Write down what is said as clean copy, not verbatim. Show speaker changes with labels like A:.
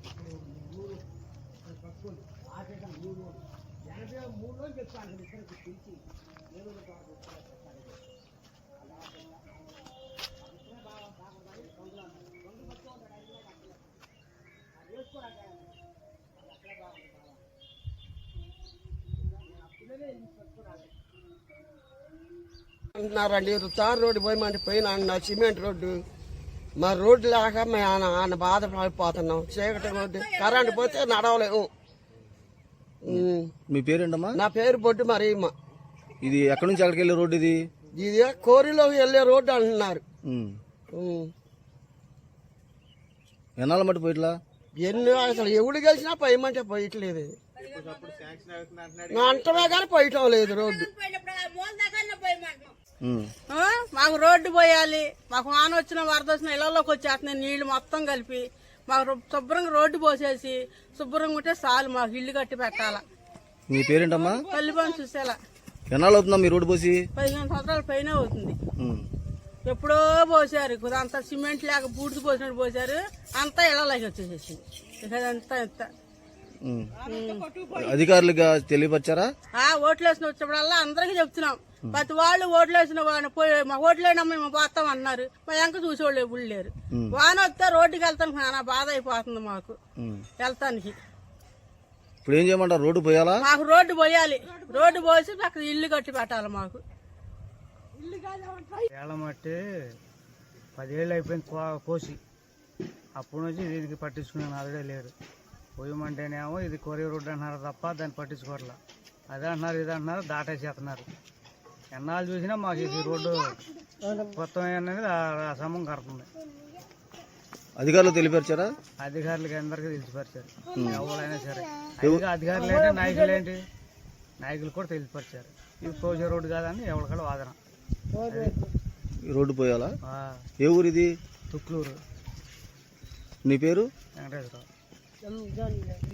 A: అంటున్నారండి tar road పోయమంటే పోయినా అన్న సిమెంట్ రోడ్డు మా రోడ్డు లేక మేము ఆయన బాధపడిపోతున్నాం. చీకటి రోడ్డు కరెంట్ పోతే నడవలేము.
B: మీ పేరేంటమ్మా?
A: నా పేరు బొడ్డు మరియమ్మ.
B: ఇది ఎక్కడి నుంచి ఎక్కడికి వెళ్ళే రోడ్డు?
A: ఇది కోరిలోకి వెళ్ళే రోడ్డు అంటున్నారు.
B: ఎన్నాళ్ళ మట్టి పోయిట్లా?
A: అసలు ఎవడు గెలిచినా పోయమంటే పోయట్లేదు. అంటమే కానీ పోయటం లేదు రోడ్డు.
C: మాకు రోడ్డు పోయాలి. మాకు వాన వచ్చిన వరద వచ్చిన ఇళ్లలోకి వచ్చేస్తున్నాయి నీళ్లు మొత్తం కలిపి. మాకు శుభ్రంగా రోడ్డు పోసేసి శుభ్రంగా ఉంటే చాలు. మాకు ఇల్లు కట్టి పెట్టాలా.
B: మీ పేరేంటమ్మా?
C: పల్లిపని చూసేలా.
B: ఎన్నాళ్ళు అవుతుందా మీ రోడ్డు పోసి?
C: 15 సంవత్సరాల పైన అవుతుంది. ఎప్పుడో పోసారు. అంతా సిమెంట్ లేక బూడిది పోసినట్టు పోసారు. అంతా ఇళ్లలోకి వచ్చేసేసింది. ఇదంతా ఎంత
B: అధికారులుగా తెలియపరిచారా?
C: ఓట్లు వేసిన వచ్చినప్పుడల్లా అందరికీ చెప్తున్నాం. ప్రతి వాళ్ళు ఓట్లు వేసిన మా ఓట్లేనమ్మా మేము పోతాం అన్నారు. మా వెంక చూసేవాళ్ళు ఎప్పుడు లేరు. వాన వస్తే రోడ్డుకి వెళ్తానికి నానా బాధ అయిపోతుంది మాకు వెళ్తానికి.
B: ఇప్పుడు ఏం చేయమంటారు? రోడ్డు పోయాలా?
C: మాకు రోడ్డు పోయాలి. రోడ్డు పోసి అక్కడ ఇల్లు కట్టి పెట్టాలి. మాకు
D: ఏళ్ళమట్టి 10 ఏళ్ళు అయిపోయింది కోసి. అప్పటి నుంచి దీనికి పట్టించుకునే నాదుడే లేరు. పోయమంటేనేమో ఇది కొరియర్ రోడ్డు అంటున్నారు తప్ప దాన్ని పట్టించుకోవట్లా. అదే అంటున్నారు ఇది అంటున్నారు దాటేసేస్తున్నారు. ఎన్నాళ్ళు చూసినా మాకు ఇది రోడ్డు కొత్త అనేది అసమం కడుతుంది.
B: అధికారులు తెలియపరిచారా?
D: అధికారులకి అందరికీ తెలిసిపరిచారు. ఎవరైనా సరే అధికారులు ఏంటి నాయకులు ఏంటి నాయకులు కూడా తెలిసిపరిచారు. ఇది కోసే రోడ్డు కాదని ఎవరికడ వాదన.
B: రోడ్డు పోయాలా? ఏ ఊరు ఇది?
D: తుక్లూరు.
B: నీ పేరు?
D: వెంకటేశ్వరరావు.